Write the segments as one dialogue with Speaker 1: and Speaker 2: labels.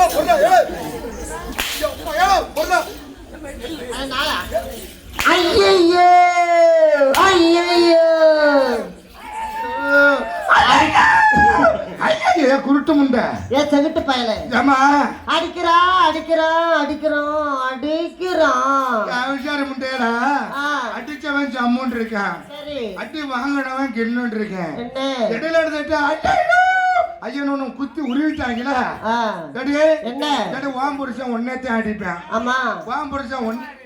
Speaker 1: ஐயோ ஐயோ
Speaker 2: ஐயா குருட்டு முண்டை
Speaker 1: ஏ செகுட்டு பயல
Speaker 2: ஏமா
Speaker 1: அடிக்கிறான் அடிக்கிறான் அடிக்கிறான் அடிக்கிறான்
Speaker 2: விசாரி முண்டையடா அடிச்சவன் ஜம்முன் இருக்கான்
Speaker 1: சரி
Speaker 2: அடி வாங்கினவன் கிண்ணுன்னு இருக்கேன்
Speaker 1: என்ன
Speaker 2: இடையில எடுத்துட்டு ஐயனு குத்தி உருவிட்டாங்களா
Speaker 1: என்ன
Speaker 2: வாம் புருஷன் ஒன்னேத்தான் அடிப்பேன்
Speaker 1: ஆமா
Speaker 2: வாம் புருஷன்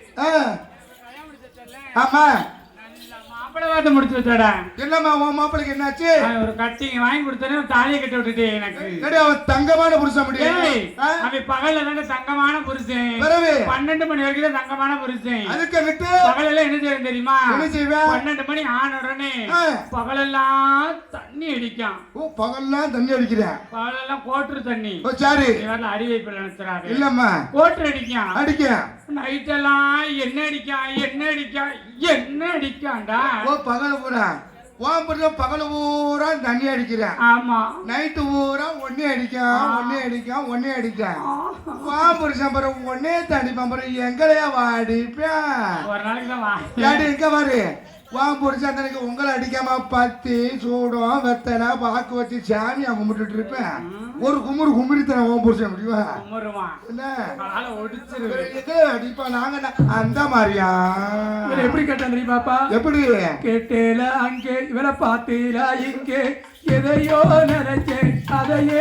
Speaker 2: ஆமா
Speaker 3: மாப்பிள்ளை முடிச்சு வச்சாடா.
Speaker 2: என்னம்மா உன் மாப்பிளைக்கு என்னாச்சு?
Speaker 3: ஒரு கட்டிங் வாங்கி கொடுத்தேன், தாலியை கட்டி விட்டுட்டே எனக்கு.
Speaker 2: அவன் தங்கமான புருஷன் முடியும்.
Speaker 3: அவன் பகல்ல தானே தங்கமான புருஷன், 12 மணி வரைக்கும் தான் தங்கமான புருஷன்.
Speaker 2: அதுக்கு விட்டு
Speaker 3: பகலெல்லாம் என்ன செய்ய தெரியுமா?
Speaker 2: என்ன செய்வேன்?
Speaker 3: 12 மணி ஆன உடனே பகலெல்லாம் தண்ணி அடிக்கான்.
Speaker 2: பகல்லாம் தண்ணி அடிக்கிறேன்?
Speaker 3: பகலெல்லாம் கோட்டுரு தண்ணி.
Speaker 2: சரி,
Speaker 3: அடி வைப்பில் நினைச்சாரு.
Speaker 2: இல்லம்மா,
Speaker 3: கோட்டுரு அடிக்கான்.
Speaker 2: அடிக்கான்.
Speaker 3: நைட்டெல்லாம் என்ன அடிக்கான் என்ன அடிக்கான் என்ன அடிக்கான்டா.
Speaker 2: பகல பூரா பகல பூரா தண்ணி அடிக்கிறேன்.
Speaker 3: ஆமா,
Speaker 2: நைட்டு பூரா ஒன்னே அடிக்கான். புருஷன் பிறகு ஒன்னே தடிப்பான். பிறகு எங்களையா வாடிப்பேன்.
Speaker 3: ஒரு நாளைக்கு தான்
Speaker 2: எங்க பாரு புருஷன் தனக்கு உங்களை அடிக்காம பத்தி சூடம் வெத்தனை பாக்கு வச்சு சாமியா கும்பிட்டு இருப்பேன். ஒரு குமுறித்தன புருஷன் முடியுவா அடிப்பா. நாங்க அந்த மாதிரியா
Speaker 3: எப்படி கேட்டேன் தெரியுமாப்பா?
Speaker 2: எப்படி
Speaker 3: கேட்டேல அங்கே இவரை பார்த்தீரா இங்கே எதையோ நினைச்சேன் அதையே